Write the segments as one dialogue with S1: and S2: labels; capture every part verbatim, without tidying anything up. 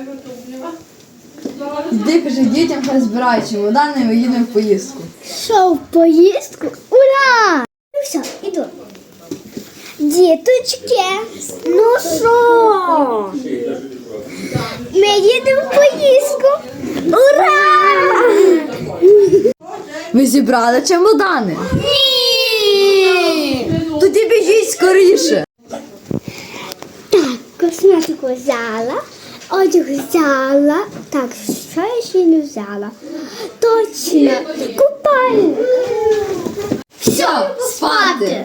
S1: Йди, кажи дітям, хай збирають чемодани, ми їдемо в поїздку.
S2: Що, в поїздку? Ура! Ну все, іду. Діточки, ну що? Ми їдемо в поїздку. Ура!
S1: Ви зібрали чемодани?
S2: Ні!
S1: Тоді біжіть скоріше.
S2: Так, косметику взяла, одяг взяла. Так, що я ще не взяла? Точно, купальник.
S1: Все, спати.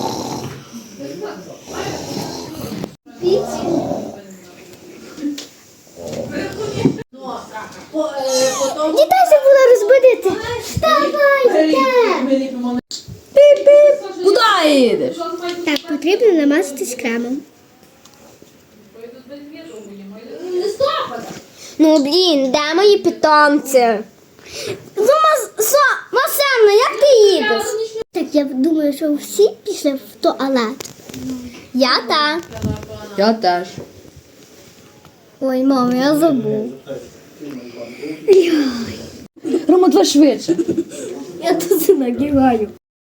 S2: Дітей забула розбудити. Вставайте!
S1: Піп-піп. Куди їдеш?
S2: Так, потрібно намазатись кремом. Ну, блін, де мої питомці? Ну, Масенна, як ти їдеш? Так, я думаю, що всі пішли в туалет. Я так.
S1: Я теж.
S2: Ой, мама, я забув.
S1: Рома, давай швидше.
S2: Я тут нагибаю.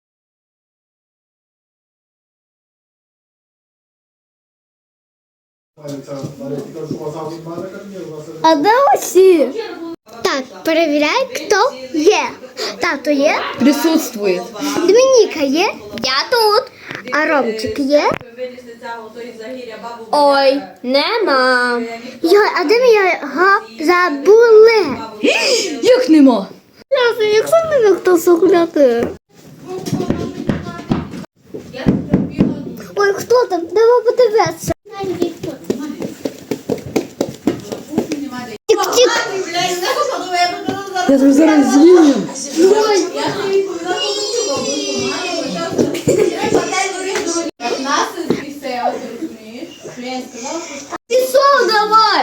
S2: А де усі? Так, перевіряй, хто є. Тато є?
S1: Присутствує.
S2: Домініка є? Я тут. А Ромчик є? Ой, нема. Йой, а де ми його забули?
S1: Як нема?
S2: Як саме не хто сухляти? Ой, хто там? Давай подивитися. Тік-тік.
S1: Я тобі зараз з'їм.
S2: Пішов давай.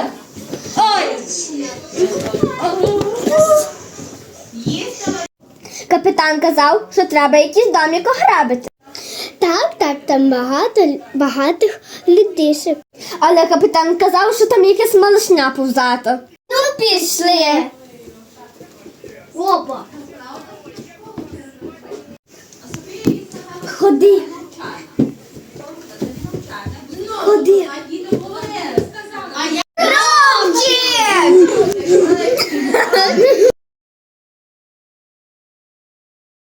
S2: Капітан казав, що треба якийсь домик ограбити. Так, так, там багато багатих людишек. Але капітан казав, що там якась малишня повзата. Ну, пішли. Опа. Ходи.